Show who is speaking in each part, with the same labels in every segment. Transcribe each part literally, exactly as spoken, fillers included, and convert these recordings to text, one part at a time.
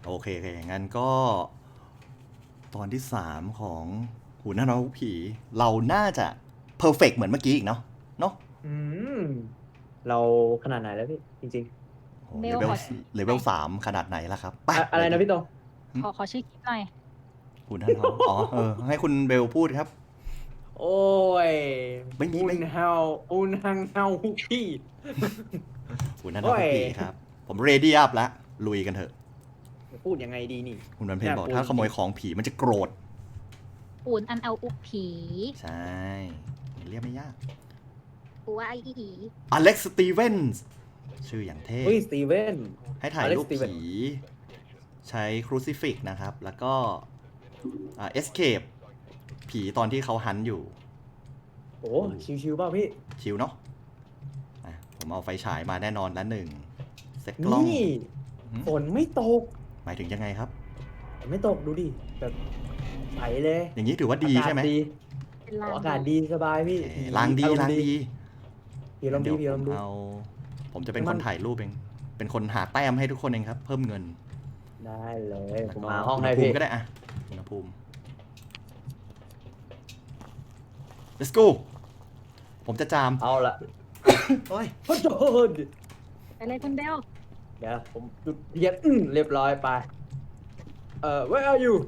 Speaker 1: โอเคโอเคงั้นก็ตอนที่สามของหูหน้าน้องผีเราน่าจะเพอร์เฟกเหมือนเมื่อกี้อีกเนาะเนาะ
Speaker 2: อืมเราขนาดไหนแล้วพี่จริง
Speaker 1: โอ้
Speaker 3: เบ
Speaker 1: เลเวล
Speaker 3: ลขอ
Speaker 1: เลเวลสามขนาดไหนล่ะครับไป
Speaker 2: ๆอะอะไร
Speaker 1: เลยดิ
Speaker 2: นะพี่ตรง
Speaker 3: ขอขอชื่อคลิปหน่อย
Speaker 1: หูหน้าน้องอ๋อเออให้คุณเบลพูดครับ
Speaker 2: โอ้ย
Speaker 1: ไม่มี
Speaker 2: อุ
Speaker 1: ไม่
Speaker 2: นเฮาอุนฮังเฮาฮุกพี่
Speaker 1: หูหน้าน้
Speaker 2: โอ้
Speaker 1: อง
Speaker 2: ย
Speaker 1: ผีครับผมเรดี้อัพแล้วลุยกันเถอะ
Speaker 2: พูดยังไงดีนี่
Speaker 1: คุณวันเพ็ญบอก
Speaker 2: น่ากลัว
Speaker 1: ถ้าขโมยของผีมันจะโกรธ
Speaker 3: ปูนอันเอาอุกผี
Speaker 1: ใช่เรียกไม่ยาก
Speaker 3: ปูว่าไออีอี
Speaker 1: อเล็กซ์สตีเวนส์ชื่ออย่างเท่
Speaker 2: เฮ้ยสตีเวน
Speaker 1: ให้ถ่ายรูป
Speaker 2: Alex Steven
Speaker 1: ผีใช้ครูซิฟิกนะครับ แล้วก็เอสเคปผีตอนที่เขาฮันต์อยู่
Speaker 2: โอ้ชิวๆเปล่าพี่
Speaker 1: ชิวเนาะอ่ะผมเอาไฟฉายมาแน่นอนละหนึ่งเซ็ตกล้อง
Speaker 2: นี่
Speaker 1: หืม
Speaker 2: ฝนไม่ตก
Speaker 1: หมายถึงยังไงครับ
Speaker 2: ฝนไม่ตกดูดิแบบใสเลย
Speaker 1: อย่างนี้ถือว่าดีใช่ไหม
Speaker 2: อากาศดี
Speaker 3: เป็น
Speaker 2: โอ้
Speaker 3: ลาง
Speaker 2: อากาศดีสบายพี่
Speaker 1: โอเคล้างดี
Speaker 2: อรมณ์
Speaker 1: ล้างดี
Speaker 2: พี่ลองดี
Speaker 1: เดี๋ยว
Speaker 2: พี่
Speaker 1: ผ
Speaker 2: ลอง
Speaker 1: ม
Speaker 2: ดู
Speaker 1: เอา ผมจะเป็น
Speaker 2: มั
Speaker 1: คน นถ่ายรูปเอง เป็นคนหาแต้มให้ทุกคนเองครับ เพิ่มเงิน
Speaker 2: ได้เลย
Speaker 1: แล้ว
Speaker 2: ผม
Speaker 1: ก็
Speaker 2: มาห้อง
Speaker 1: อุณ
Speaker 2: ให้
Speaker 1: หภู
Speaker 2: พี่
Speaker 1: มิก็ได้อะอุณหภูมิ let's go ผมจะจาม
Speaker 2: เอาละ
Speaker 1: โอ้ย
Speaker 2: โอ้โห
Speaker 3: ไปเลยคุณเบล
Speaker 2: เดี๋ยวผมจุดเทียนอื้อเรียบร้อยไปเอ่อ where are you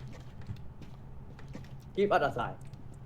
Speaker 2: give us a sign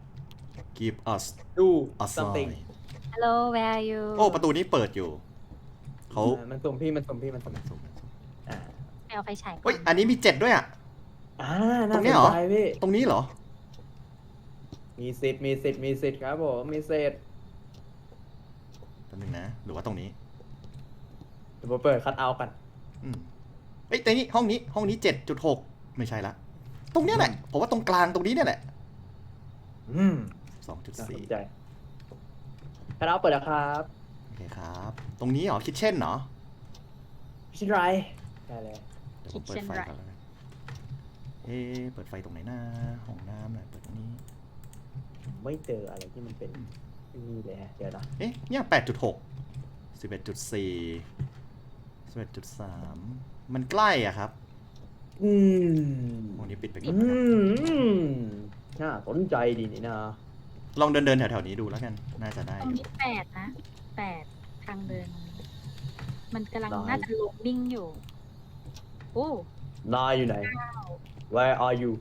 Speaker 1: give us
Speaker 2: do
Speaker 1: a
Speaker 2: something
Speaker 1: sign
Speaker 3: ฮัลโหล where are you
Speaker 1: โอ้ ประตูนี้เปิดอยู่ เขา
Speaker 2: อ่ามันสุ่มพี่มันสุ่มพี่มันสุ่มอ่า
Speaker 3: ไปเอาไฟฉายก่อ
Speaker 1: เฮ้ย
Speaker 3: น
Speaker 1: อันนี้มีเจ็ดด้วยอ่ะ
Speaker 2: อ่า
Speaker 1: ตร
Speaker 2: น่าง
Speaker 1: นี้
Speaker 2: ส
Speaker 1: เหร
Speaker 2: น
Speaker 1: อ
Speaker 2: ใจพี่
Speaker 1: ตรงนี้เหรอ
Speaker 2: มีสิทธิ์มีสิทธิ์มีสิทธิ์ครับผมมีสิทธิ์
Speaker 1: แป๊บนึงนะ หรือว่าตรงนี้
Speaker 2: เดี๋ยวผมเปิดคัทเอาท์กัน
Speaker 1: อืมเอ้ยแต่นี่ห้องนี้ ห้องนี้เจ็ดจุดหกไม่ใช่ละ ตรงเนี้ยแหละ ผมว่าตรงกลางตรงนี้เนี่ยแหละ
Speaker 2: อืม
Speaker 1: สองจุด
Speaker 2: น่าส
Speaker 1: สี่
Speaker 2: นใจคัทเอาท์เปิดแล้วครับ
Speaker 1: โอเคครับ ตรงนี้เหรอ คิทเช่นเหรอ
Speaker 2: พี่ชินไรได้เลย
Speaker 1: เดี๋ยวผมเปิดไฟก่อนแล้วกันเอ๊ะเปิดไฟตรงไหนนะห้องน้ำหน่อยเปิดตรงนี้
Speaker 2: ผมไม่เจออะไรที่มันเป็นนี่เลยฮะเดี๋ยวนะ
Speaker 1: เอ๊ะ เนี่ยแปดจุดหกสิบเอ็ดจุดสี่สิบเอ็ดจุดสามมันใกล้อ่ะครับ
Speaker 2: อืม
Speaker 1: ห้องนี้ปิดไปก่
Speaker 2: อื
Speaker 1: อนนะครับ
Speaker 2: มน่าสนใจดีนี่นะ
Speaker 1: ลองเดินเดินๆแถวๆนี้ดูแล้วกัน น่าจะได้
Speaker 3: ต
Speaker 1: อ
Speaker 3: รง
Speaker 1: ยู่
Speaker 3: นี้แปดนะแปดทางเดินตรงนี้มันกำลังน่าจะโหลดดิ้งอยู่โอ้
Speaker 2: นายอยู่ไหน Where are you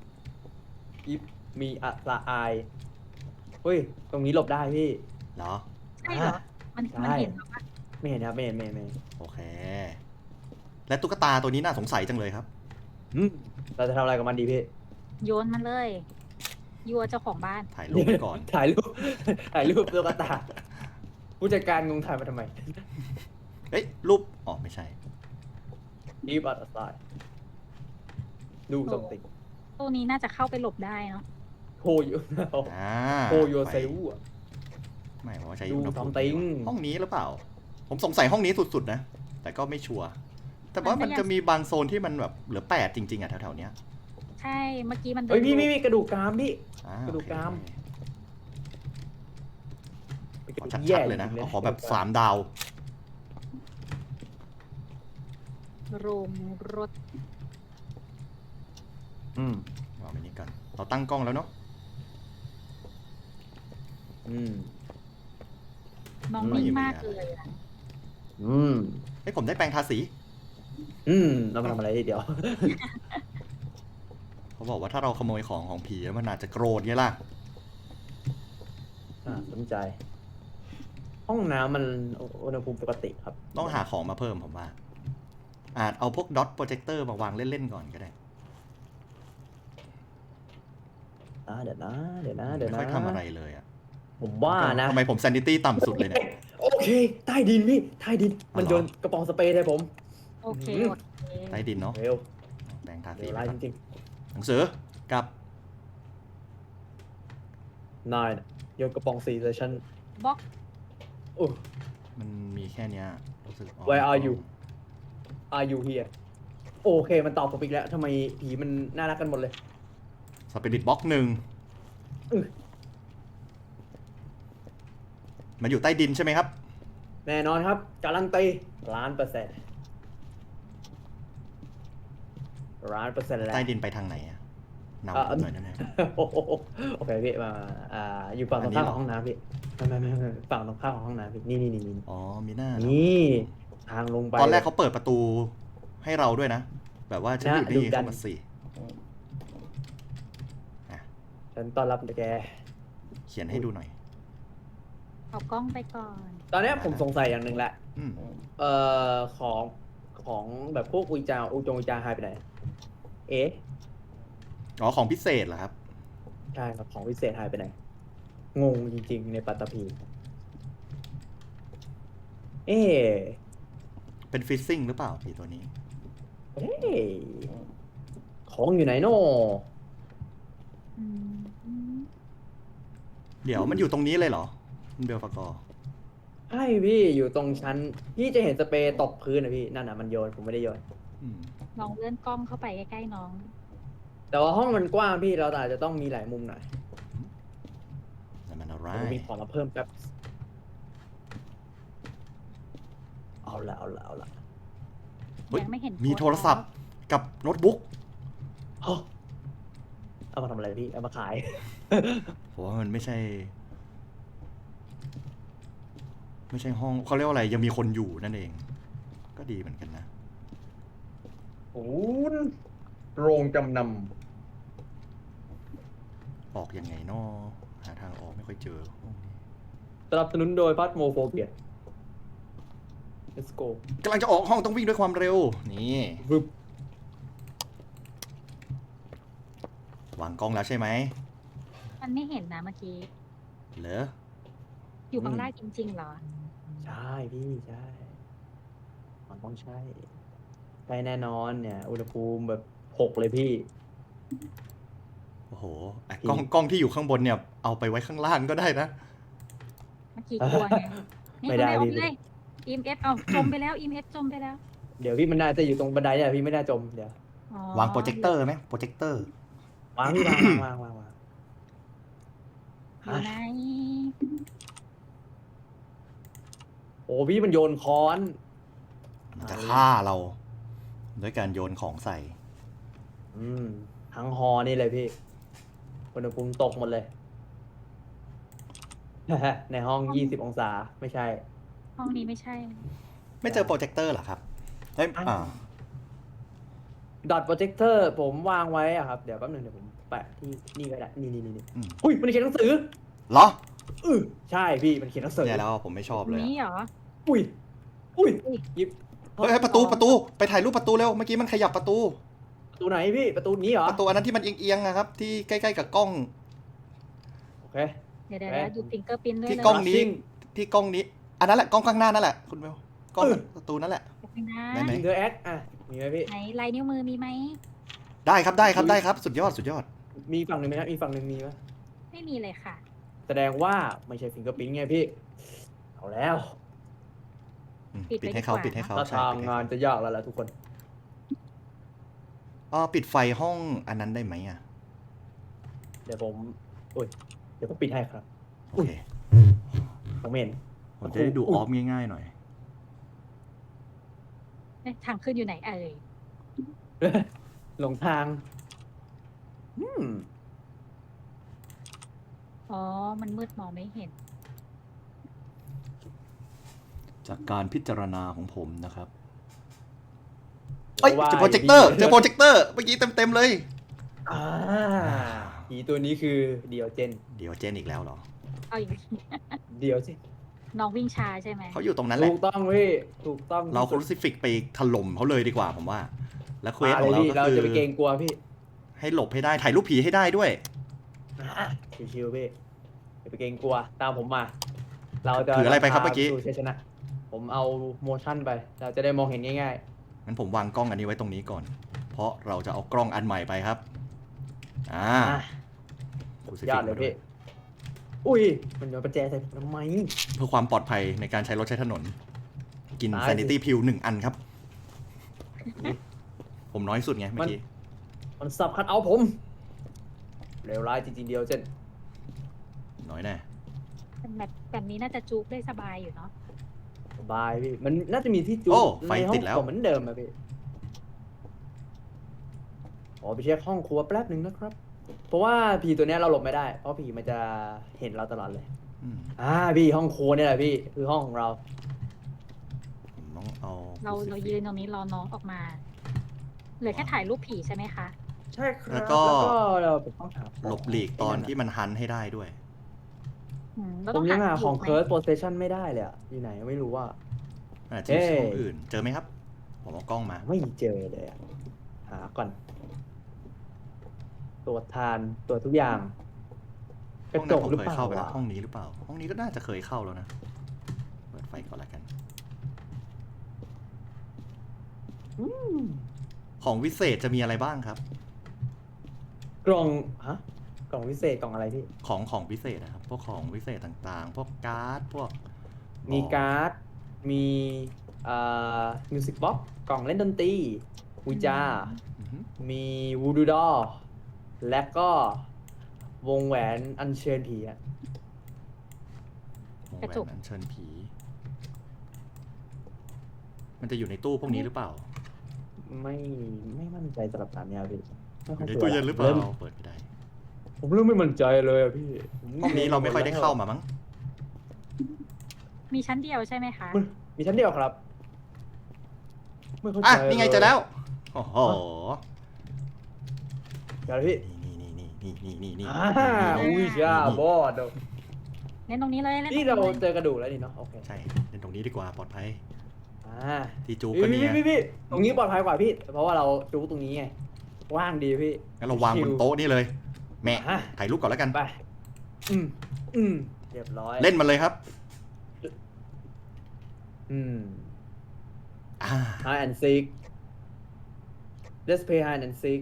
Speaker 2: if me a I เฮ้ย ตรงนี้หลบได้พี่
Speaker 1: เหรอ
Speaker 3: ใช่เหรอ มัน
Speaker 2: ใช่
Speaker 3: มันเห็นเหรอวะ
Speaker 2: ไม่เห็นครับไม่เห็นไม่เห็นไม่เห็น
Speaker 1: โอเค และตุ๊กตาตัวนี้น่าสงสัยจังเลยครับ
Speaker 2: อืมเราจะทำอะไรกับมันดีพี่
Speaker 3: โยนมันเลยยัวเจ้าของบ้าน
Speaker 1: ถ่ายรูปไว้ก่อน
Speaker 2: ถ่ายรูป ถ่ายรูปตุ๊กตา ผู้จัดการงงถ่ายมาทำไม
Speaker 1: เฮ้ย รูป อ๋อ ไม่ใช่
Speaker 2: Give us a sign ดู something
Speaker 3: ตู้นี้น่าจะเข้าไปหลบได้เนาะ
Speaker 2: โคอยู่
Speaker 1: อ่า
Speaker 2: โคโยเซล
Speaker 1: ไฟไม่ผมว่าใช้
Speaker 2: ดู
Speaker 1: อุณหภูมิ
Speaker 2: something
Speaker 1: ห้องนี้หรือเปล่า ผมสงสัยห้องนี้สุดๆนะ แต่ก็ไม่ชัวร์ แต่ว่ามันจะมีบางโซนที่มันแบบเหลือแปดจริงๆอ่ะแถวๆเนี้ย
Speaker 3: ใช่เมื่อกี้มันเดิ
Speaker 2: เฮ้ย
Speaker 3: น
Speaker 2: พี่พี่พี่กระดูกกรามพี่
Speaker 1: อ่าก
Speaker 2: ระดูกกราม
Speaker 1: โอเคขอชัดๆเลยนะเอาขอแบบสามดาว
Speaker 3: โรงรถ
Speaker 2: อืม
Speaker 1: วางไว้นี่กัน เราตั้งกล้องแล้วเนาะ
Speaker 2: อืม
Speaker 3: น้อง
Speaker 2: ไม่
Speaker 3: นิ่ง
Speaker 1: มี
Speaker 3: มาก
Speaker 1: อะไร
Speaker 3: เลยอะ
Speaker 2: อืม
Speaker 1: เฮ้ยผมได้แปรงทาสี
Speaker 2: อืมเรามาทำอะไรเดี๋ยว
Speaker 1: เขาบอกว่าถ้าเราขโมยของของผีแล้วมันอาจจะโกรธไงล่ะ
Speaker 2: อ่าสนใจ ห้องน้ำมันอุณหภูมิปกติครับ
Speaker 1: ต้องหาของมาเพิ่มผมว่า อาจเอาพวกดอทโปรเจคเตอร์มาวางเล่นๆก่อนก็ได้
Speaker 2: อ่าเดี๋ยวนะ เดี๋ยวนะ เดี๋ยว
Speaker 1: ไม่
Speaker 2: นะ
Speaker 1: ค่อยทำอะไรเลยอ่ะ
Speaker 2: ผมว่านะ
Speaker 1: ทำไมผมซนิตี้ต่ำสุดเลยเนี่ย
Speaker 2: โอเค ใต้ดินพี่ ใต้ดิน มัน
Speaker 1: อ๋อเหรอ
Speaker 2: โยนกระป๋องสเปรย์ใส่ผม
Speaker 3: โอเค
Speaker 2: อืม
Speaker 3: โอเค
Speaker 1: ใต้ดินเนาะ
Speaker 2: เร็ว
Speaker 1: แปรงทาสี
Speaker 2: เดี๋ยว
Speaker 1: ไป
Speaker 2: ไล่
Speaker 1: ก่
Speaker 2: จ
Speaker 1: อน
Speaker 2: ริง
Speaker 1: หนังสือกับ
Speaker 2: ๆนายน่ะโยนกระป๋องสีใส่ฉัน
Speaker 3: บล็อก
Speaker 2: โอ้
Speaker 1: มันมีแค่เนี้ยรู้สึก
Speaker 2: Where are you Are you here โอเค มันตอบผมอีกแล้วทำไมผีมันน่ารักกันหมดเลย
Speaker 1: สปิริตบ็อกหนึ่ง
Speaker 2: อื้อ
Speaker 1: มันอยู่ใต้ดินใช่ไหมครับ
Speaker 2: แน่นอนครับ การันตีล้านเปอร์เซ็นต์ร้านเปอร์เซ็นต์แล้ว
Speaker 1: ใต้ดินไปทางไหนอะนำ
Speaker 2: อ่ะ
Speaker 1: ผมหน่อยได้ไหม
Speaker 2: โอ้โหโอเคพี่มาอ่าอยู่ฝั่งตรงข้ามของห้องน้ำพี่ไม่ไม่ไม่ไม่ฝั่งตรงข้ามของห้องน้ำพี่นี่นี่นี่นี่
Speaker 1: อ๋อมีหน้าเหรอ
Speaker 2: นี่ทางลงไป
Speaker 1: ตอนแรกเขาเปิดประตูให้เราด้วยนะ แบบว่าฉันอยู่
Speaker 2: นะดุ
Speaker 1: นี่
Speaker 2: ดัน
Speaker 1: เข้ามาสิ
Speaker 2: ฉันต้อนรับแก
Speaker 1: เขียนให้ดูหน่อย
Speaker 3: เอากล้องไปก่อน
Speaker 2: ตอนเนี้ยผมสงสัยอย่างหนึ่งแหละ
Speaker 1: อืม
Speaker 2: เอ่อของของแบบพวกอุยจาอุจงอุยจาหายไปไหน เอ๊ะ
Speaker 1: อ๋อของพิเศษเหรอครับ
Speaker 2: ใช่ครับของพิเศษหายไปไหน งงจริงๆในปัตตภีเอ๊ะ
Speaker 1: เป็นฟิซซิ่งหรือเปล่าผีตัวนี้
Speaker 2: เอ๊ะของอยู่ไหนโน่
Speaker 3: อืม
Speaker 1: เดี๋ยวมันอยู่ตรงนี้เลยเหรอคุณเบลฟากอร์
Speaker 2: ใช่พี่อยู่ตรงชั้นพี่จะเห็นสเปรย์ตกพื้นนะพี่นั่นน่ะมันโยนผมไม่ได้โยน
Speaker 1: อืม
Speaker 3: ลองเลื่อนกล้องเข้าไปใกล้ๆน้อง
Speaker 2: แต่ว่าห้องมันกว้างพี่เราอาจจะต้องมีหลายมุมหน่อย
Speaker 1: นั่นมันอะไร
Speaker 2: ผมมีของมาเพิ่มแป๊บเอาละเอาละเอาละ
Speaker 1: เฮ้ย
Speaker 3: ยังไม่เห็น
Speaker 1: มี
Speaker 3: โพสต์
Speaker 1: โทรศัพท์กับโน้ตบุ๊ก
Speaker 2: เฮ้ยเอามาทำอะไรพี่เอามาขาย
Speaker 1: ผมว่ามันไม่ใช่ ไม่ใช่ห้องเขาเรียกว่าอะไรยังมีคนอยู่นั่นเอง ก็ดีเหมือนกันนะ
Speaker 2: ศูนย์โรงจำน
Speaker 1: ออกยังไงนอหาทางออกไม่ค่อยเจอห้องนี้
Speaker 2: ำสนับสนุนโดยพัทโมโฟเบีย let's go
Speaker 1: กำลังจะออกห้องต้องวิ่งด้วยความเร็ว นี่
Speaker 2: วึบ
Speaker 1: วางกล้องแล้วใช่ไหม
Speaker 3: มันไม่เห็นนะเมื่อกี้
Speaker 1: เหรอ
Speaker 3: อยู่ข้างล่างจริงๆเหรอ
Speaker 2: ใช่พี่ใช่มันต้องใช่ใช่แน่นอนเนี่ย อุณหภูมิแบบหกเลยพี่
Speaker 1: โอ้โหไอ้กล้องกล้องที่อยู่ข้างบนเนี่ยเอาไปไว้ข้างล่างก็ได้นะ
Speaker 3: เมื่อกี้กลัวไงนี่
Speaker 2: ไม่ได้
Speaker 3: ทำออก
Speaker 2: พี่
Speaker 3: เลยอีเอฟเอาจมไปแล้วอีเอฟจมไปแล้ว
Speaker 2: เดี๋ยวพี่มันน่าจะอยู่ตรงบันไดเนี่ยพี่ไม่น่าจมเดี๋ยว
Speaker 3: อ๋อ
Speaker 1: วางโปรเจคเตอร์ไหมโปรเจคเตอร์
Speaker 2: วางพี่วางวางวางวาง
Speaker 3: อยู่ไหน
Speaker 2: โอ้พี่มันโยนค้อน
Speaker 1: มันจะฆ่าเราด้วยการโยนของใส่
Speaker 2: อืมทั้งฮอนี่เลยพี่อุณหภูมิตกหมดเลย ในห้องยี่สิบองศาไม่ใช่
Speaker 3: ห้องนี้ไม่ใช่
Speaker 1: ไม่เจอโปรเจคเตอร์เหรอครับเฮ้ยอ่า
Speaker 2: ดอทโปรเจคเตอร์ผมวางไว้อะครับ เดี๋ยวแป๊บนึงเดี๋ยวผมแปะที่นี่ก็ได้ นี่นี่นี่
Speaker 1: อืม
Speaker 2: อุ้ยมันเขียนหนังสือ
Speaker 1: เหรอ
Speaker 2: อือใช่พี่มันเขียนหนังสือ
Speaker 1: เนี่ยแล้วผมไม่ชอบเลย
Speaker 3: นี้
Speaker 1: อะ
Speaker 3: เหรอ
Speaker 2: อุ้ยอุ้ย
Speaker 3: อุ้ย
Speaker 2: หยิบ
Speaker 1: เฮ้ยเฮ้ยประตูประตูไปถ่ายรูปประตูเร็วเมื่อกี้มันขยับประตู
Speaker 2: ประตูไหนพี่ประตูนี้เหรอ
Speaker 1: ประตูอันนั้นที่มันเอียงๆนะครับ ที่ใกล้ๆกับกล้อง
Speaker 2: โอเค
Speaker 3: เดี๋ยวเดี๋ยว
Speaker 2: เอ๊ะ
Speaker 3: ดูฟิงเกอร์พินด้วย
Speaker 1: ที่
Speaker 3: เลย
Speaker 1: กล้องนี้
Speaker 2: Rushing
Speaker 1: ที่กล้องนี้ อันนั้นแหละกล้องข้างหน้านั่นแหละคุณเบลกล้องประตูนั่นแหละ
Speaker 3: ไปนะ
Speaker 1: ได้ไหม
Speaker 2: อินเตอร์แอคอ่ะมีไหมพี่
Speaker 3: ไหนลายนิ้วมือมีไหม
Speaker 1: ได้ครับได้ครับได้ครับ สุดยอดสุดยอด
Speaker 2: มีฝั่งหนึ่งไหมครับมีฝั่งหนึ่งมีไหม
Speaker 3: ไม่มีเลยค่ะ
Speaker 2: แสดงว่าไม่ใช่ฟิงเกอร์ปิ้นไงพี่เอาแล้ว
Speaker 1: อืม
Speaker 3: ปิด
Speaker 1: ปิด
Speaker 3: ไว้
Speaker 1: ให้เขา
Speaker 3: ดีกว่า
Speaker 1: ปิดให้เขา
Speaker 2: ถ้า
Speaker 1: ใช่
Speaker 2: ทาง
Speaker 1: ปิดให้
Speaker 2: งาน
Speaker 1: เขา
Speaker 2: จะยากแล้วล่ะทุกคน
Speaker 1: อ๋อปิดไฟห้องอันนั้นได้ไหมอ่ะ
Speaker 2: เดี๋ยวผมโอ้ยเดี๋ยวผมปิดให้ครับ
Speaker 1: โอเค
Speaker 2: ผมไม่เห็น
Speaker 1: ผมจะได้ดูออฟง่ายๆหน่อย
Speaker 3: เอ๊ะทางขึ้นอยู่ไหนเอ่ย
Speaker 2: หลงทาง อืม
Speaker 3: อ๋อ มันมืดมองไม่เห็น
Speaker 1: จากการพิจารณาของผมนะครับเอ้ยเจอโปรเจคเตอร์เจอโปรเจคเตอร์เมื่อกี้เต็มๆเลย
Speaker 2: อ่าผีตัวนี้คือเดียวเจน
Speaker 1: เดี๋ยวเจนอีกแล้วเหรอ
Speaker 3: เอาอย่างนี้
Speaker 2: เดียวสิ
Speaker 3: น้องวิ่งช้าใช่ไหม
Speaker 1: เขาอยู่ตรงนั้นแหละ
Speaker 2: ถูกต้องพี่ถูกต้อง
Speaker 1: เราครูซิฟิกไปถล่มเขาเลยดีกว่าผมว่า และเควส
Speaker 2: มา
Speaker 1: ของ
Speaker 2: เลย
Speaker 1: เรา
Speaker 2: พี่
Speaker 1: ก็
Speaker 2: เรา
Speaker 1: คือ
Speaker 2: จะไปเกรงกลัวพี่
Speaker 1: ให้หลบให้ได้ถ่ายรูปผีให้ได้ด้วย
Speaker 2: อ่ะชิวๆพี่อย่าไปเกรงกลัวตามผมมา เราจะ
Speaker 1: ถืออะไรไปครับเมื่อกี้
Speaker 2: สู่ชัยชนะ ผมเอาโมชั่นไป เราจะได้มองเห็นง่าย
Speaker 1: งั้นผมวางกล้องอันนี้ไว้ตรงนี้ก่อน เพราะเราจะเอากล้องอันใหม่ไปครับ อ่า
Speaker 2: ๆอ่ะ
Speaker 1: ครูซิ
Speaker 2: ย
Speaker 1: ฟิ
Speaker 2: อก ดเล
Speaker 1: มาย ด้ว
Speaker 2: พี่
Speaker 1: ย
Speaker 2: อุ้ย มันโยนประแจใส่ผมทำไม
Speaker 1: เพื่อความปลอดภัยในการใช้รถใช้ถนน กิน
Speaker 2: ตายสิ
Speaker 1: sanity pill หนึ่งอันครับ ผมน้อยสุดไงเมื่อกี้
Speaker 2: มันสับคัดเอาผม เลวร้ายจริงๆเดียวเช่น
Speaker 1: น้อยแน่
Speaker 3: แบบแบบนี้น่าจะจุกได้สบายอยู่เนาะ
Speaker 2: สบายพี่ มันน่าจะมีที่จุ
Speaker 1: โอ้
Speaker 2: ด
Speaker 1: ไฟ
Speaker 2: ในห้อ
Speaker 1: ติ
Speaker 2: ง
Speaker 1: ดแล้ว
Speaker 2: ผมเหมือนเดิมอะพี่อไปเช็คห้องครัวแป๊บหนึ่งนะครับ เพราะว่าผีตัวเนี้ยเราหลบไม่ได้ เพราะผีมันจะเห็นเราตลอดเลย
Speaker 1: อืม
Speaker 2: อ่าพี่ห้องครัวเนี่ยแหละพี่คือห้องของเรา
Speaker 1: ผมต้องเอา
Speaker 3: เราเรายืนตรงนี้รอน้องออกมา เหลือแค่ถ่ายรูปผีใช่ไหมคะ
Speaker 2: ใช่ครับ
Speaker 1: แล้วก็
Speaker 2: เราต้องหา
Speaker 1: หลบหลีกตอนที่มันฮันให้ได้ด้วย
Speaker 3: อืมเรา
Speaker 2: ผ
Speaker 3: ต้อ
Speaker 2: ม
Speaker 3: ง
Speaker 2: ยัง
Speaker 3: หา
Speaker 2: หาของ
Speaker 3: ไหม
Speaker 2: เคิร์สโปรเซชันไม่ได้เลยอะอยู่ไหนไม่รู้ว่า
Speaker 1: อาจจะ
Speaker 2: เอ้
Speaker 1: ที่
Speaker 2: ย
Speaker 1: ห้องอื่น เจอไหมครับ ผมเอากล้องมา
Speaker 2: ไม่เจอเลยอะหาก่อน ตรวจทานตรวจทุกอย่างก
Speaker 1: ห้
Speaker 2: ระ
Speaker 1: อง
Speaker 2: จ
Speaker 1: นั้น
Speaker 2: ก
Speaker 1: ผม
Speaker 2: หรือ
Speaker 1: เค
Speaker 2: เป
Speaker 1: ย
Speaker 2: ล่า
Speaker 1: เข้าไปแล้ว
Speaker 2: วะ
Speaker 1: ห้องนี้หรือเปล่า ห้องนี้ก็น่าจะเคยเข้าแล้วนะ เปิดไฟก่อนละกัน
Speaker 2: อืม
Speaker 1: ของวิเศษจะมีอะไรบ้างครับ
Speaker 2: กล่องฮะกล่องพิเศษกล่องอะไรพี่
Speaker 1: ของของวิเศษนะครับ พวกของวิเศษต่างๆ พวกการ์ด พวก
Speaker 2: มีการ์ด มีอ่ามิวสิกบ็อกกล่องเล่นดนตรีวิจา
Speaker 1: อือฮึ
Speaker 2: มีวูดูดอและก็วงแหวนอัญเชิญผีอะ
Speaker 1: วง
Speaker 3: กระ
Speaker 1: แหว
Speaker 3: จก
Speaker 1: นอัญเชิญผี มันจะอยู่ในตู้พวกนี้หรือเปล่า
Speaker 2: ไม่ไม่มั่นใจสำหรับสามยาพี่ไม่
Speaker 1: อ
Speaker 2: ค่อย
Speaker 1: ยู่ใน
Speaker 2: ชัว
Speaker 1: ตู้
Speaker 2: ร์
Speaker 1: เย็นหรือเปล่า
Speaker 2: ม
Speaker 1: เปิดไม่ได้
Speaker 2: ผมเริ่มไม่มั่นใจเลยอะพี่ผ
Speaker 1: ห้องนี้เราไม่ค่อยได้เข้ามามั้ง
Speaker 3: มีชั้นเดียวใช่ไหมคะ
Speaker 2: มันมีชั้นเดียวครับไม่เข้าใจ
Speaker 1: อ่ะ นี่ไง
Speaker 2: ลย
Speaker 1: เจอแล้ว โอ้โห
Speaker 2: เดี๋ยวพี่
Speaker 1: นี่นี่นี่นี่นี่นี่
Speaker 2: อ่าอุ้ยจ้าบอด
Speaker 3: เล่นตรงนี้เลยเล่นตรง
Speaker 2: นี่
Speaker 3: นี้
Speaker 2: เรา
Speaker 3: เลย
Speaker 2: เจอกระดูกแล้วนี่เนาะโอเค
Speaker 1: ใช่เล่นตรงนี้ดีกว่าปลอดภัย
Speaker 2: อ่า
Speaker 1: ที่จูบ
Speaker 2: พี่
Speaker 1: ก็เนี่
Speaker 2: พี่
Speaker 1: ย
Speaker 2: พี่พี่ตรงนี้ปลอดภัยกว่าพี่ เพราะว่าเราจูตรงนี้ไงว่างดีพี่
Speaker 1: งั้นเราวางบนโต๊ะนี่เลย แม่
Speaker 2: อ่ะ
Speaker 1: ถ่ายรูปก่อนแล้วกัน
Speaker 2: ไปอืมอืมเรียบร้อย
Speaker 1: เล่นมันเลยครับ
Speaker 2: อืม
Speaker 1: อ่า
Speaker 2: hide and seek let's play hide and seek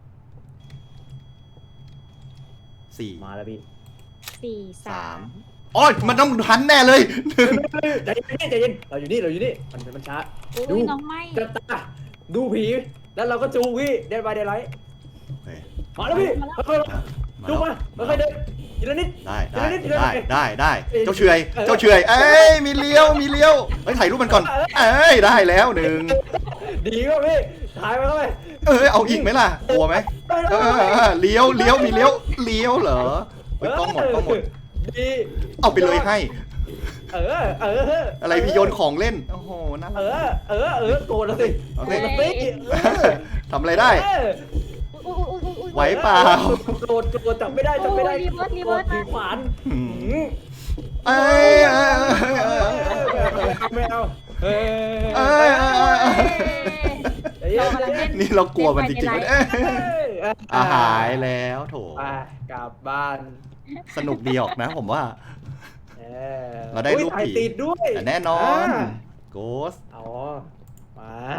Speaker 1: สี่
Speaker 2: มาแล้วพี่
Speaker 3: สี่สา
Speaker 1: สาม มโอ้ยมันต้องทันแน่เลย
Speaker 2: ใจเย็นใจเย็นเราอยู่นี่เราอยู่นี่มันมันช้า
Speaker 3: อุ้
Speaker 2: ดู
Speaker 3: ยน้องไม่
Speaker 2: จะตาดูผีแล้วเราก็จูพี่เดินไปเดินไร
Speaker 1: โอเค
Speaker 2: มาแล้วพี่ค่อย
Speaker 1: มา
Speaker 2: ๆจูมา
Speaker 1: แล้ว
Speaker 2: ค่อยๆเดินทีละนิด
Speaker 1: ได้ได้
Speaker 2: ทีละนิดทีละ
Speaker 1: ได้
Speaker 2: นิด
Speaker 1: ได้ได้
Speaker 2: เอ้ย
Speaker 1: เจ้าเฉอย
Speaker 2: เออ
Speaker 1: เจ้าเฉอยเอ้ยมีเลี้ยวมีเลี้ยวเฮ้ยถ่ายรูปมันก่อน เอ้ยได้แล้วหนึ่ง
Speaker 2: ดีก็พี่ถ่ายไปเข้าไป
Speaker 1: เอ้ยเอาอีกไหมล่ะกลัวไหมเออเออเออเลี้ยวเลี้ยวมีเลี้ยวเลี้ยวเหรอเฮ้ยกล้องหมดกล้องหมด
Speaker 2: ดี
Speaker 1: เอาไปเลยให้
Speaker 2: เออเออ
Speaker 1: อะไรพี่โยนของเล่นโอ้โหน่า
Speaker 2: เอ
Speaker 1: รัก
Speaker 2: อเออเออโกรธแล้วสิ
Speaker 1: เอา
Speaker 2: โกร
Speaker 1: สิ
Speaker 2: ธแล้วสิเออ
Speaker 1: ทำอะไรได้
Speaker 2: เออ
Speaker 3: อุ้ยอุ้ยอุ้ยอุ้ย
Speaker 1: ไหวเปล่า
Speaker 2: โกรธโกรธจับไม่ได้จับไม่ได้
Speaker 3: โอ้ยรีเวิร์สรีเวิร์ส
Speaker 2: ถือขวาน
Speaker 1: อืม
Speaker 2: หืม
Speaker 1: เอ้ยเอ้ยเอ้ยเอ้ย
Speaker 2: ไม่เอาเอ้ย
Speaker 1: เอ้ยเอ้ยเอ้ย
Speaker 2: เอ้ย
Speaker 3: เรากำลังเล่น
Speaker 1: นี่เรากลัวมันจริงๆ
Speaker 3: เล่
Speaker 1: วะ
Speaker 3: น
Speaker 1: เนี่ย
Speaker 3: ไปในไลฟ์
Speaker 2: เอ้ย
Speaker 1: อาหายแล้วโถ
Speaker 2: ไปกลับบ้าน
Speaker 1: สนุกดีออกนะผมว่า
Speaker 2: เออ
Speaker 1: เราได้รูป
Speaker 2: อุ๊ยถ่าย
Speaker 1: ผี
Speaker 2: ติดด้วย
Speaker 1: แต่แน่นอน
Speaker 2: า
Speaker 1: โกส
Speaker 2: อ๋อมา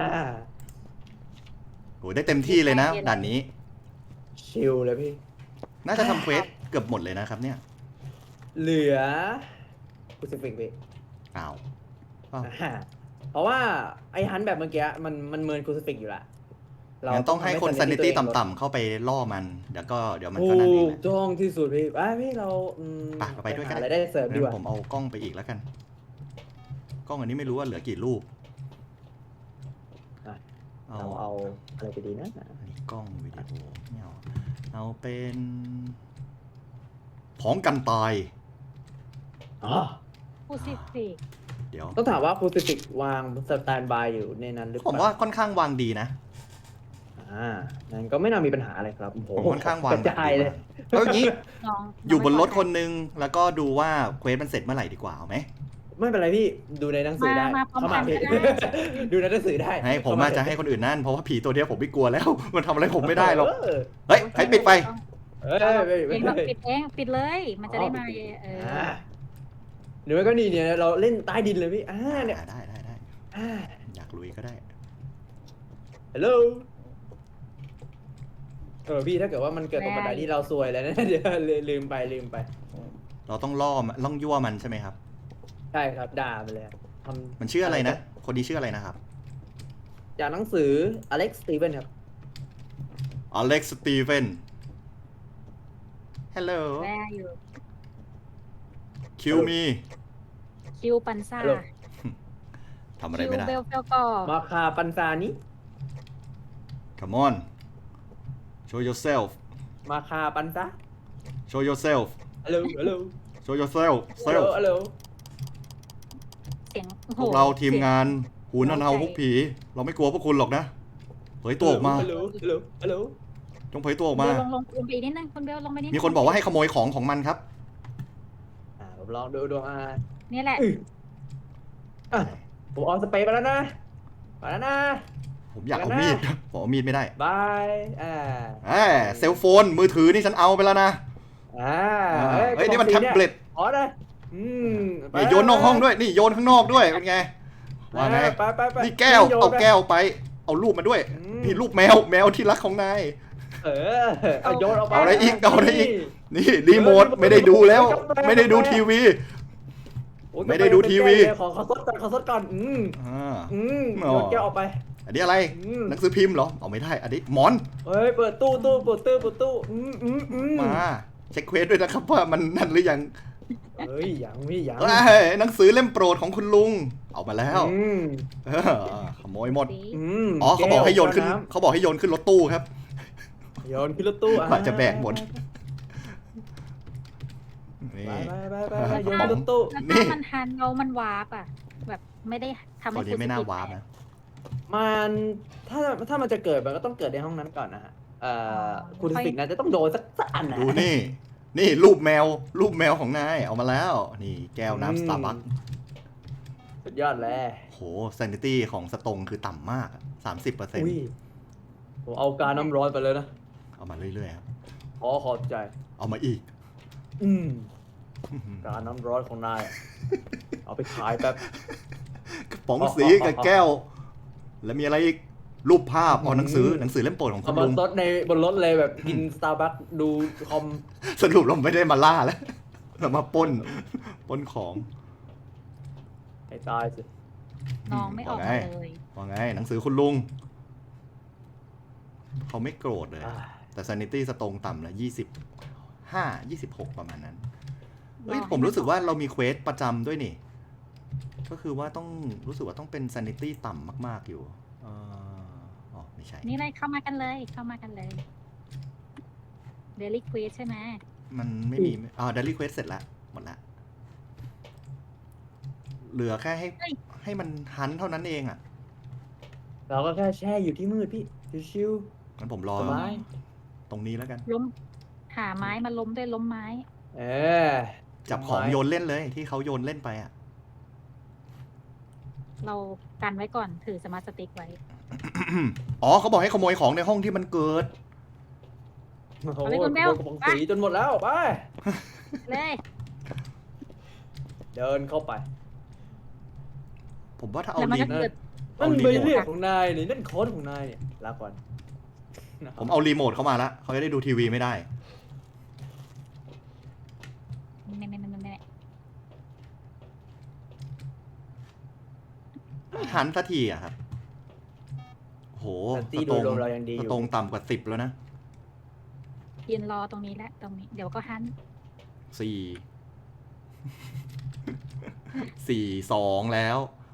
Speaker 1: โหได้เต็มที่เลยนะด่านนี้
Speaker 2: ชิลเลยพี่
Speaker 1: น่าจะทำเควสเกือบหมดเลยนะครับเนี่ย
Speaker 2: เหลือกูสิฟิกพี่
Speaker 1: อ้าวอ้าว
Speaker 2: อ่าเพราะว่าไอ้ฮันแบบเมื่อกี้มันมันเมินกูสิฟิกอยู่ละ
Speaker 1: งั้นต้องให้คน
Speaker 2: ทำ
Speaker 1: sanity
Speaker 2: ตัวเองลด
Speaker 1: ต่ำๆเข้าไปล่อมัน เดี๋ยวก็เดี๋ยวมัน
Speaker 2: ถู
Speaker 1: ก็นั่นเอง
Speaker 2: ก
Speaker 1: แหละ
Speaker 2: ต้องที่สุดพี่อ่ะพี่เราอืม
Speaker 1: ไปเราไปด้วยกัน
Speaker 2: หาอะไรได้เสริมดีกว่า
Speaker 1: งั้นผมเอากล้องไปอีกแล้วกัน กล้องอันนี้ไม่รู้ว่าเหลือกี่รูป
Speaker 2: อ่ะ
Speaker 1: เอา
Speaker 2: เราเอาอะไรไปดีนะ
Speaker 1: อันนี้กล้องวิดีโอไม่เอาเอาเป็นของกันตาย
Speaker 2: อ๋อ
Speaker 3: ผู้สิฟิก
Speaker 1: เดี๋ยว
Speaker 2: ต้องถามว่าคูซิฟิกวางสแตนบายอยู่ในนั้นหรือเป
Speaker 1: ผ
Speaker 2: ล่าม
Speaker 1: ว่าค่อนข้างวางดีนะ
Speaker 2: อ่างั้นก็ไม่น่ามีปัญหาอะไรครับโอ้โห
Speaker 1: ผมค่อนข้างวาง
Speaker 2: กระจายเลย
Speaker 1: แล้วอย่างนี้
Speaker 3: น้อง
Speaker 1: อยู่บนรถคนนึง แล้วก็ดูว่าเควสมันเสร็จเมื่อไหร่ดีกว่าเอาไหม
Speaker 2: ไม่เป็นไรพี่ดูในหนังสือได้
Speaker 3: มามาพร้อม
Speaker 2: เข้า
Speaker 3: กั
Speaker 2: มาน พี่
Speaker 3: ก็ได้
Speaker 2: ดูในหนังสือได้
Speaker 1: ให้ผมมาจะให้คนอื่นนั่น เพราะว่าผีตัวเดียวผมไม่กลัวแล้ว มันทำอะไรผมไม่ได้หรอก
Speaker 2: เออ
Speaker 1: เฮ้ยให้ปิดไฟ
Speaker 2: เอ้ยไม่
Speaker 3: เอ
Speaker 2: ไม่
Speaker 3: ง
Speaker 2: ไม่
Speaker 3: เราปิดเองปิดเลย มันจะได้มาเออ
Speaker 2: อ่าหรือไม่ก็นี่เนี่ยเราเล่นใต้ดินเลยพี่อ่าเนี่ย
Speaker 1: ได้ได้ได้
Speaker 2: อ่า
Speaker 1: อยากลุยก็ได้
Speaker 2: ฮัลโหลเออพี่ถ้าเกิดว่ามันเกิดตรงบันไดที่เราซวยแล้วนะ เดี๋ยวลืมไปลืมไป
Speaker 1: เราต้องล่อมันล่องยั่วมันใช่ไหมครับ
Speaker 2: ใช่ครับด่าไปเลยทำ
Speaker 1: มันชื่ออะไรนะ คนนี้ชื่ออะไรนะครับ
Speaker 2: จากหนังสืออเล็กซ์สตีเวนครับ
Speaker 1: อเล็กซ์สตีเฟนฮัลโหล
Speaker 3: แม่อยู่
Speaker 1: คิวมี
Speaker 3: คิวปันซ่า
Speaker 2: ฮัลโหล
Speaker 1: ทำอะไร
Speaker 3: คิว
Speaker 1: ไม่ได้
Speaker 3: เบลเฟลกอ
Speaker 2: มาคาปันซานี้
Speaker 1: come on show yourself
Speaker 2: มาคาปันซะ
Speaker 1: show yourself
Speaker 2: ฮัลโหลฮัลโหล
Speaker 1: show yourself
Speaker 2: ฮัลโหล
Speaker 1: self
Speaker 2: ฮัลโหล
Speaker 3: เสียงโอ้โห
Speaker 1: พวกเราทีมงาน
Speaker 3: เสีย
Speaker 1: หูนันเฮาพวกผี เราไม่กลัวพวกคุณหรอกนะเผยตัวออกมา
Speaker 2: ฮัลโหลฮัลโหลฮัลโหล
Speaker 1: จงเผยตัวออก
Speaker 3: ง
Speaker 1: มา
Speaker 3: เบลลงลงลงไปอีกนิดนึงคุณเบลลงไปนิดนึง
Speaker 1: มีคนบอกว่าให้ขโมยของของมันครับ
Speaker 2: อ่าผมลองดูดูอ่า
Speaker 3: นี่แหละ
Speaker 2: อื้ออ่ะผมเอาสเปรย์ไปแล้วนะไปแล้วนะ
Speaker 1: ผมอยากเอามีด ผมเอามีดไม่ได้
Speaker 2: บายอ่า
Speaker 1: แหมเซลโฟนมือถือนี่ฉันเอาไปแล้วนะ
Speaker 2: อ่า
Speaker 1: เฮ้ยนี่มันแท็บเล็ต
Speaker 2: อ๋อนะอืมไป
Speaker 1: นี่โยนนอกห้องด้วย นี่โยนข้างนอกด้วย เป็นไง ว่าไง
Speaker 2: ไปไปไป
Speaker 1: นี่แก้ว
Speaker 2: โยน
Speaker 1: เอา
Speaker 2: ไป
Speaker 1: แก้วไป เอารูปมาด้วย
Speaker 2: อืม
Speaker 1: นี่รูปแมว แมวที่รักของนาย
Speaker 2: เออเอาโยนเอาไป
Speaker 1: เอาอะไรอีกเอาอะไรอีก นี่รีโมทไม่ได้ดูแล้ว ไม่ได้ดูทีวี
Speaker 2: โอ้ย
Speaker 1: ไม่ได้ดูทีวี
Speaker 2: ขอขอซดก่อนขอซดก่อนอืม
Speaker 1: อ่า
Speaker 2: อืม
Speaker 1: อ๋อ
Speaker 2: โยนแก้วออกไป
Speaker 1: อันนี้อะไร
Speaker 2: อืม
Speaker 1: หนังสือพิมพ์เหรอ เอาไม่ได้ อันนี้หมอน
Speaker 2: เฮ้ยเปิดตู้ตู้เปิดตู้เปิดตู้อืมอืมอืม
Speaker 1: มา เช็คเควสด้วยนะครับว่ามันนั่นหรือยัง
Speaker 2: เฮ้ยยังไม่ยัง
Speaker 1: เอ้ยหนังสือเล่มโปรดของคุณลุง เอามาแล้ว
Speaker 2: อืม
Speaker 1: เออขโมยหมด
Speaker 3: สี
Speaker 2: อืม
Speaker 1: อ๋อเขาบอกให้โยนขึ้น
Speaker 2: แก้ว
Speaker 1: เขาบอกให้โยนขึ้นรถตู้ครับ
Speaker 2: โยนขึ้นรถตู้อ่ะ
Speaker 1: กว่าจะแบกหมด นี่
Speaker 2: ไปไปไปไปไปโยนขึ้นรถตู้
Speaker 3: แล้ว
Speaker 1: นี่
Speaker 3: ถ้ามันทันเรามันวาร์ปอ่ะ แบบไม่ได้ทำ
Speaker 1: ตอ
Speaker 3: ให้
Speaker 1: นนี้ไม่น่าวาร์ป
Speaker 3: แตก
Speaker 1: นะ
Speaker 2: มันถ้าถ้ามันจะเกิดมันก็ต้องเกิดในห้องนั้นก่อนนะฮะเอ่อคุณสิกนะจะต้องโดนสักสักอันนะ
Speaker 1: ดูนี่ นี่รูปแมว รูปแมวของนายเอามาแล้ว นี่แก้วน้ำสตาร์บัค
Speaker 2: สุดยอดเลย
Speaker 1: โหซนิตี้ของสตงคือต่ำมากสามสิบเปอร์เซ็นต์
Speaker 2: อุ้ยผมเอาการน้ำร้อนไปเลยนะ
Speaker 1: เอามาเรื่อยๆครับ
Speaker 2: ขอขอบใจ
Speaker 1: เอามาอีก
Speaker 2: อืมการน้ำร้อนของนาย เอาไปขายแป๊บ
Speaker 1: กระป๋องสีกับแก้ว แล้วมีอะไรอีก รูปภาพเอาหนังสือหนังสือเล่มโปรดของคุ
Speaker 2: เอา
Speaker 1: ณ
Speaker 2: มา
Speaker 1: ลุง
Speaker 2: ซดในบนรถเลยแบบกินสตาร์บัคดูคอม
Speaker 1: สรุปเราไม่ได้มาล่าแล้ว เรามาปล้นปล้นของ
Speaker 2: ให้ตายสิ
Speaker 3: น้องไม่ออกมาเลย
Speaker 1: ว่าไง หนังสือคุณลุง เขาไม่โกรธเลย
Speaker 2: อ่า
Speaker 1: แต่ sanity สตรงต่ำแล้วยี่สิบห้า ยี่สิบหกประมาณนั้น เฮ้ย
Speaker 3: รอให้
Speaker 1: ผมรู้สึกว่าเรามีเควสประจำด้วยนี่ ก็คือว่าต้องรู้สึกว่าต้องเป็น sanity ต่ำมาก ๆ อยู่เอ่ออ๋อ ไม่ใช่
Speaker 3: นี่เลยเข้ามากันเลยเข้ามากันเลยเดลิควีใช่ไหม
Speaker 1: มันไม่มีอ่า daily quest เสร็จแล้ว หมดละ เหลือแค่ให้ให้มันฮันเท่านั้นเองอ่ะ
Speaker 2: เราก็แค่แช่อยู่ที่มืดพี่ชิว
Speaker 1: งั้นผมรอ
Speaker 2: ๆสบาย
Speaker 1: ตรงนี้แล้วกัน
Speaker 3: ล้มหาไม้มาล้มด้วยล้มไม้
Speaker 2: เออ
Speaker 1: จับของโยนเล่นเลยที่เขาโยนเล่นไปอ่ะ
Speaker 3: เรากันไว้ก่อนถือสมาร์ทสติ๊กไว้
Speaker 1: อ๋อเขาบอกให้ขโมยของในห้องที่มันเกิด
Speaker 2: โอ้โห
Speaker 3: เอาเลยคุณเบล
Speaker 2: กระป๋องสีจนหมดแล้วไป
Speaker 3: เลย
Speaker 2: เดินเข้าไป
Speaker 1: ผมว่าถ้าเอา
Speaker 3: แล้วมัน
Speaker 1: รี
Speaker 3: ก็
Speaker 1: โม
Speaker 3: เกิ
Speaker 1: ท
Speaker 3: ด
Speaker 2: นั่น
Speaker 1: เอารี
Speaker 2: ใบ
Speaker 1: โมท
Speaker 2: เรียกของนายนี่นั่นโค้ดของนายเนี่ยลาก่อน
Speaker 1: ผมเอารีโมทเข้ามาแล้วเขาจะได้ดูทีวีไม่ได้
Speaker 3: ไม่ไม่ไม่ไม่ไม่
Speaker 1: หันสักทีอะครับ โห
Speaker 2: แต่ตี
Speaker 1: ส
Speaker 2: โด
Speaker 1: ตร
Speaker 2: ย
Speaker 1: ง
Speaker 2: รวมเรายังดีอ
Speaker 1: ส
Speaker 2: ยู่
Speaker 1: ตรงต่ำกว่าสิบแล้วนะ
Speaker 3: ยืนรอตรงนี้แหละตรงนี้เดี๋ยวก็หัน
Speaker 1: สี่ สี่สองแล้ว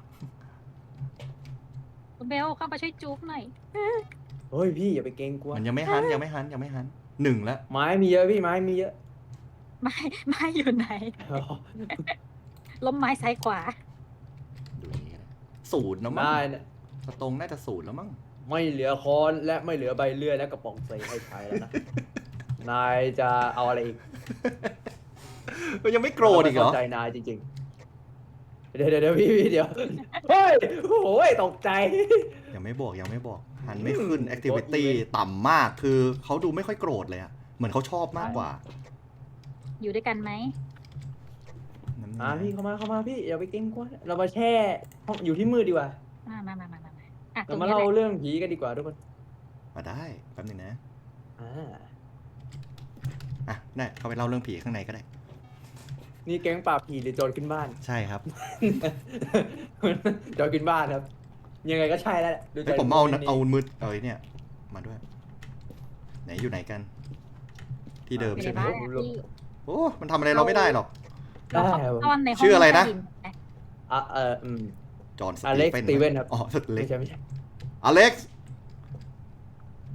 Speaker 3: คุณเบลเข้ามาช่วยจุ๊บหน่อย
Speaker 2: เฮ้ยพี่อย่าไปเกรงกลัว
Speaker 1: มันยังไม่หันยังไม่หันยังไม่หันหนึ่งแล้ว
Speaker 2: ไม้มีเยอะพี่ไม้มีเยอะ
Speaker 3: ไม้ไม้อยู่ไหน ล้มไม้ซ้ายขวา
Speaker 1: ดูอย่างนี้ก็ได้ศูนย์แล้วมั้ง
Speaker 2: ได้นะ
Speaker 1: สตรงน่าจะศูนย์แล้วมั้ง
Speaker 2: ไม่เหลือค้อนและไม่เหลือใบเลื่อยและกระป๋องใส่ให้ใช้แล้วนะ นายจะเอาอะไรอีก
Speaker 1: ก็ยังไม่โกรธอีกเหรอ
Speaker 2: ไม่เข้าใจนายจริงๆ เดี๋ยวเดี๋ยวเดี๋ยวพี่พี่เดี๋ยว เฮ้ยโอ้ยตกใจ
Speaker 1: ยังไม่บอกยังไม่บอก หันไม่ขึ้น
Speaker 2: อืม
Speaker 1: activity ต่ำมากคือเขาดูไม่ค่อยโกรธเลยอะเหมือนเขาชอบมากกว่า
Speaker 3: อยู่ด้วยกันไหม
Speaker 1: นั่น
Speaker 2: อ่าพี่เข้ามาเข้ามาพี่อย่าไปเกรงกลัวเรามาแช่ห้องอยู่ที่มืดดีกว่า
Speaker 3: มามามามามามาอ่ะตร
Speaker 2: เรา
Speaker 3: ง
Speaker 2: มา
Speaker 3: นี้แห
Speaker 2: เล่า
Speaker 3: ละ
Speaker 2: เรื่องผีกันดีกว่าทุกคน
Speaker 1: มาได้แป๊บนึงนะ
Speaker 2: อ่า
Speaker 1: อ่ะได้เข้าไปเล่าเรื่องผีข้างในก็ได้
Speaker 2: นี่แก๊งปราบผีหรือโจรขึ้นบ้าน
Speaker 1: ใช่ครับ
Speaker 2: โจรขึ้นบ้านครับ ยังไงก็ใช่แล้วแหละดู
Speaker 1: ให้
Speaker 2: จาก
Speaker 1: ผมเอา
Speaker 2: รูปนี้
Speaker 1: เอามือเอ้ยเนี่ย มาด้วย ไหนอยู่ไหนกัน ที่เดิม
Speaker 3: อยู่ใน
Speaker 1: ใช่ไหม
Speaker 3: บ้านอะพี่
Speaker 1: โอ้มันทำอะไรเราไม่ได้หรอก
Speaker 2: ได้ครับ
Speaker 3: ตอนในห้อง
Speaker 1: ชื่ออะไรนะ
Speaker 3: ใต้ดิไหม
Speaker 2: อ่ะเอออืม
Speaker 1: จอห์นส
Speaker 2: อ
Speaker 1: ตี
Speaker 2: เล็กซ์
Speaker 1: เฟน
Speaker 2: สตีเวนครับ
Speaker 1: อ๋อสตีเล็
Speaker 2: ไม่
Speaker 1: ก
Speaker 2: ใช่ไม่ใช่
Speaker 1: อเล็กซ์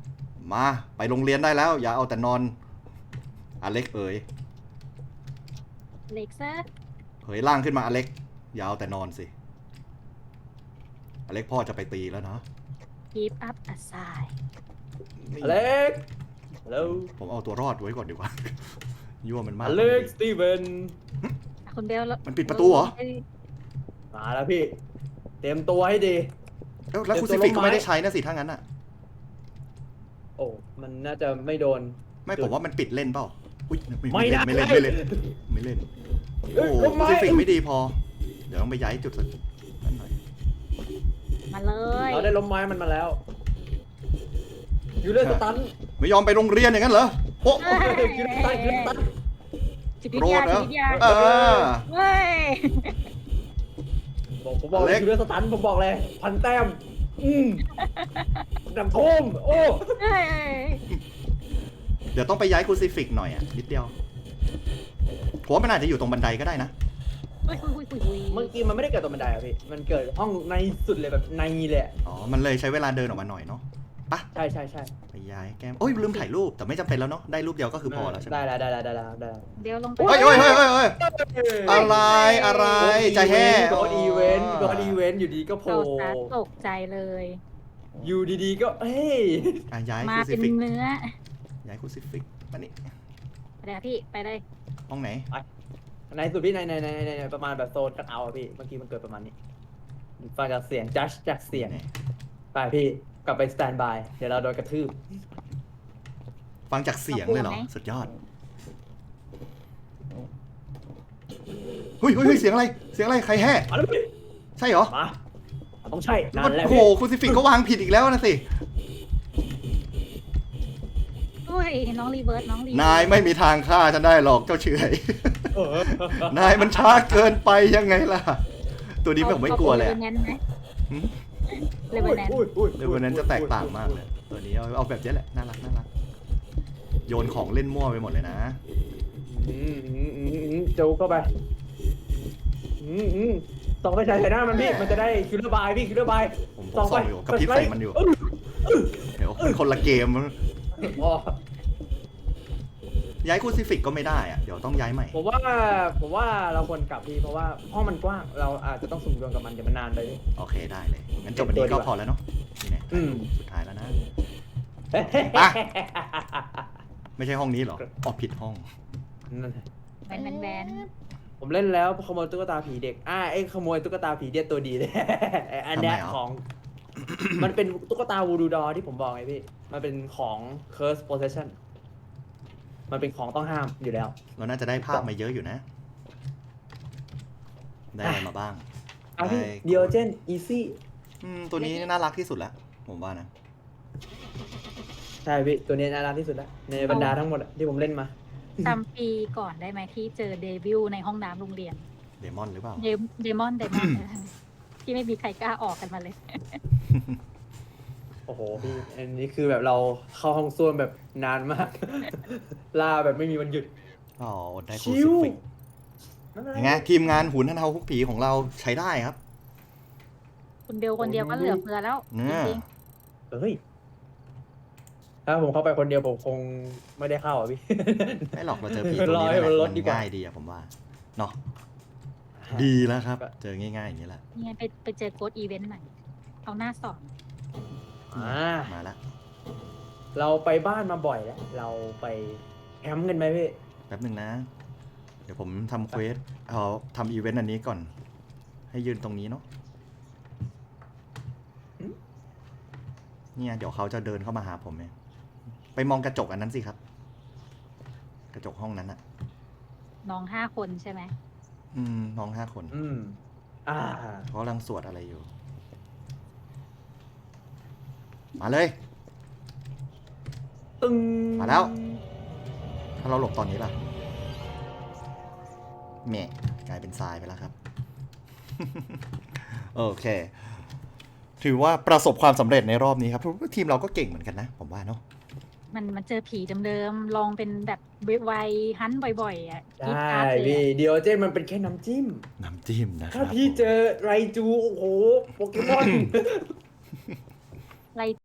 Speaker 1: มาไปโรงเรียนได้แล้ว อย่าเอาแต่นอนอเล็กเอ๋ย
Speaker 3: เล็กซะ
Speaker 1: เผยร่างขึ้นมาอเล็กอย่าเอาแต่นอนสิอเล็กพ่อจะไปตีแล้วนะ
Speaker 3: keep up aside
Speaker 1: นี่
Speaker 2: อเล็กฮัลโหล
Speaker 1: ผมเอาตัวรอดไว้ก่อนดีกว่า ยั่วมันมาก
Speaker 2: อเล็กสตีเวน
Speaker 3: อ่ะคุณเบลแล้ว
Speaker 1: มันปิดประตูเหรอ
Speaker 2: มาแล้วพี่ เตรียมตัวให้ดี
Speaker 1: แล้วแล้ว
Speaker 2: เดี๋ยว
Speaker 1: คุณซิฟิก
Speaker 2: ตัวลง
Speaker 1: ก็
Speaker 2: ไม้
Speaker 1: ไม่ได้ใช้นะสิถ้างั้นอ่ะ
Speaker 2: โอ้ มันน่าจะไม่โดน
Speaker 1: ไม่ผมว่ามันปิดเล่นเปล่าอุ้ย
Speaker 2: ไม่ได้
Speaker 1: ไม่เล่นไม่เล่นไม่เล่น
Speaker 2: เอ้
Speaker 1: โอ้
Speaker 2: ย
Speaker 1: โห
Speaker 2: ลงไม้
Speaker 1: คุณซิฟิกไม่ดีพอ เดี๋ยวต้องไปย้ายจุดสักนั้นหน่อย
Speaker 3: มาเลย
Speaker 2: เราได้ล้มไม้มันมาแล้ว อยู่เลยสตัน
Speaker 1: ไม่ยอมไปโรงเรียนอย่างนั้นเหรอโอ้
Speaker 3: เอ้ย
Speaker 2: อยู่เลยสตันอยู่เลยสตัน
Speaker 3: จิตวิ
Speaker 1: โก
Speaker 3: ท
Speaker 1: ร
Speaker 3: ยา
Speaker 1: ธเหร
Speaker 3: จิ
Speaker 1: อ
Speaker 3: ตวิทยา
Speaker 1: เออ
Speaker 3: เว้ย
Speaker 2: บอกผมบอกเล
Speaker 1: เล็
Speaker 2: ย
Speaker 1: ก
Speaker 2: อยู่เลยสตันผมบอกเลย พันแต้ม อืมดำทุ่มโอ้
Speaker 3: เอ้ย
Speaker 1: เดี๋ยวต้องไปย้ายคุณซิฟิกหน่อยอ่ะนิดเดียวผมว่ามันอาจจะอยู่ตรงบันไดก็ได้นะ
Speaker 3: เฮ้ยคุยคุยคุย
Speaker 2: เมื่อกี้มันไม่ได้เกิดตรงบันไดอะพี่ มันเกิดห้องในสุดเลยแบบในเลยอะ
Speaker 1: อ๋อ มันเลยใช้เวลาเดินออกมาหน่อยเนาะปะ
Speaker 2: ใช่ใช่ใช่
Speaker 1: ไปย้ายแก้มโอ้ยลืมถ่ายรูปแต่ไม่จำเป็นแล้วเนาะได้รูปเดียวก็คือพอแล้วใช่ไหม
Speaker 2: ได้แล้วได้แล้วได้แล้วได้แล้ว
Speaker 3: เบลลงไป
Speaker 1: เฮ้ยเฮ้ยเฮ้ยเฮ้ยเฮ้ยอะไรอะไรใจแห่
Speaker 2: โดนอีเวนต์โดนอีเวนต์อยู่ดีก็โผล่
Speaker 3: เราซัดตกใจเลย
Speaker 2: อยู่ดีๆก็เฮ้ย
Speaker 1: อ่ะย้าย
Speaker 3: มา
Speaker 1: คูซิ
Speaker 3: เป็น
Speaker 1: ฟิก
Speaker 3: เนื้อ
Speaker 1: ย้ายคูซิฟิกมานี่
Speaker 3: ไปเลยพี่ไปเลย
Speaker 1: ห้องไหน
Speaker 2: ในสุดพี่ในในในในในประมาณแบบโซนคัทเอาท์อะพี่เมื่อกี้มันเกิดประมาณนี้ฟังจากเสียงจัดจากเสียง
Speaker 1: ไหน
Speaker 2: ไปพี่กลับไปสแตนบายเดี๋ยวเราโดนกระทืบ
Speaker 1: ฟังจากเสียงเลยเหรอสุดยอดเฮ้ยเฮ้ยเฮ้ยเสียงอะไรเสียงอะไรใครแห่
Speaker 2: มาแล้วพี่
Speaker 1: ใช่เหรอ
Speaker 2: มาต้องใช่นั่นแหละ
Speaker 1: โอ้โห
Speaker 2: พี่
Speaker 1: คูซิฟิกก็วางผิดอีกแล้วนะสิ
Speaker 3: อุ้ยน้องรีเวิร์สน้องรีเวิร์ส
Speaker 1: นายไม่มีทางฆ่าฉันได้หรอกเจ้าเฉย
Speaker 2: เออน
Speaker 1: ายมันช้าเกินไปยังไงล่ะ ตัวนี้ผมไม่กลัวเลย
Speaker 3: เล
Speaker 1: อะ
Speaker 3: เวนแนนต์ไหมเลเวนแนนต์
Speaker 2: อุ้ยอุ้ย
Speaker 1: เดี๋ยววันนั้นจะแตกต่างมากเลย ตัวนี้เอาเอาแบบนี้แหละน่ารักน่ารักโยนของเล่นมั่วไปหมดเลยนะ
Speaker 2: อืมอืมอืมอืมจูเข้าไปอืมอืมส่องไปใส่ใส่หน้ามันพี่มันจะได้คิลเลอร์บายพี่คิลเลอร์บาย
Speaker 1: ผมผมส่องอยู่กับพริบใส่มันอยู่ เดี๋ยวมันคนละเกม
Speaker 2: อ๋อ
Speaker 1: ย้ายคูซิฟิกก็ไม่ได้อะเดี๋ยวต้องย้ายใหม่
Speaker 2: ผมว่าผมว่าเราควรกลับพี่เพราะว่าห้องมันกว้างเราอาจจะต้องสุ่มดวงกับมันเดี๋ยวมันนานไปพี่
Speaker 1: โอเคได้เลย งั้นจบวันนี้ก็พอแล้วเนาะนี่แน่
Speaker 2: อืม
Speaker 1: สุดท้ายแล้วนะ ไม่ใช่ห้องนี้เหรออ๋อผิดห้อง
Speaker 2: นั่น
Speaker 3: แวนแวนแวน
Speaker 2: ผมเล่นแล้วขโมยตุ๊กตาผีเด็กอ่าไอ้ขโมยตุ๊กตาผีเด็กตัวดีเลย อันเนี้ย
Speaker 1: ทำไมอ่ะ
Speaker 2: ของ มันเป็นตุ๊กตาวูดูดอที่ผมบอกไงพี่ มันเป็นของ curse possession มันเป็นของต้องห้ามอยู่แล้ว
Speaker 1: เราน่าจะได้ภาพมาเยอะอยู่นะ ได้อะไรมาบ้าง
Speaker 2: อ่ะพี่
Speaker 1: ได้
Speaker 2: เดียเจนอีซี่
Speaker 1: อืมตัวนี้น่ารักที่สุดแล้ว ผมว่านะ
Speaker 2: ใช่พี่ตัวนี้น่ารักที่สุดแล้วในบรรดาทั้งหมดอะที่ผมเล่นมา
Speaker 3: จำปีก่อนได้ไหมที่เจอเดวิลในห้องน้ำโรงเรียน
Speaker 1: เดมอนหรือเปล่า
Speaker 3: เดเดมอนเดมอนที่ไม่มีใครกล้าออกกันมาเลย
Speaker 2: โอ้โหพี่อันนี้คือแบบเราเข้าห้องส้วมแบบนานมาก ล่าแบบไม่มีวันหยุด
Speaker 1: อ๋ออดได้คู
Speaker 2: ชิ
Speaker 1: ซิ
Speaker 2: ว
Speaker 1: ฟิกยังไงทีมงานหุนท่านเฮาคุกผีของเราใช้ได้ครับ
Speaker 3: คุณเบลคนเดียวก็เหลือเฟือแล้ว
Speaker 1: เนี่ย
Speaker 3: จริง
Speaker 2: เฮ้ยถ้าผมเข้าไปคนเดียวผมคงไม่ได้เข้าอ่ะพี่
Speaker 1: ไม่หรอกเราเจอผีตัวนี้
Speaker 2: รอให้
Speaker 1: แหละ
Speaker 2: มันลด
Speaker 1: มัน
Speaker 2: ดีกว่า
Speaker 1: ง่ายดีอะผมว่าเนาะดีแล้วครับ เจอง่ายๆอย่างนี้แหละ
Speaker 3: ๆเนี่ยไปไปเจอโค้ดอีเวนต์ใหม่เอาหน้าสอน
Speaker 2: อ่า
Speaker 1: มาแล้ว
Speaker 2: เราไปบ้านมาบ่อยแล้ว เราไปแคมป์กันไหมพี่
Speaker 1: แป๊บหนึ่งนะ เดี๋ยวผมทำเควสเอาทำอีเวนต์อันนี้ก่อน ให้ยืนตรงนี้เนาะเนี่ยเดี๋ยวเขาจะเดินเข้ามาหาผมเองไปมองกระจกอันนั้นสิครับ กระจกห้องนั้นอะ
Speaker 3: น้องห้าคนใช่ไหม
Speaker 1: อืมน้องห้าคน
Speaker 2: อืม อ่า
Speaker 1: เขากำลังสวดอะไรอยู่ มาเลย
Speaker 2: ตึง
Speaker 1: มาแล้ว ถ้าเราหลบตอนนี้ล่ะแหม่กลายเป็นทรายไปแล้วครับ โอเค ถือว่าประสบความสำเร็จในรอบนี้ครับเพราะว่าทีมเราก็เก่งเหมือนกันนะ ผมว่าเนาะ
Speaker 3: มันมันเจอผีเดิมๆลองเป็นแบบไวๆฮันบ่อยๆอ่ะ
Speaker 2: ใช
Speaker 3: กรีด
Speaker 2: ่
Speaker 3: กราดเลย
Speaker 2: พี่
Speaker 3: อะ
Speaker 2: เดียวเจนมันเป็นแค่น้ำจิ้ม
Speaker 1: น้ำจิ้มนะค
Speaker 2: ถ้า
Speaker 1: รับ
Speaker 2: พี่
Speaker 1: ผม
Speaker 2: เจอไรจู โอ้โห โปเกมอน
Speaker 3: ไร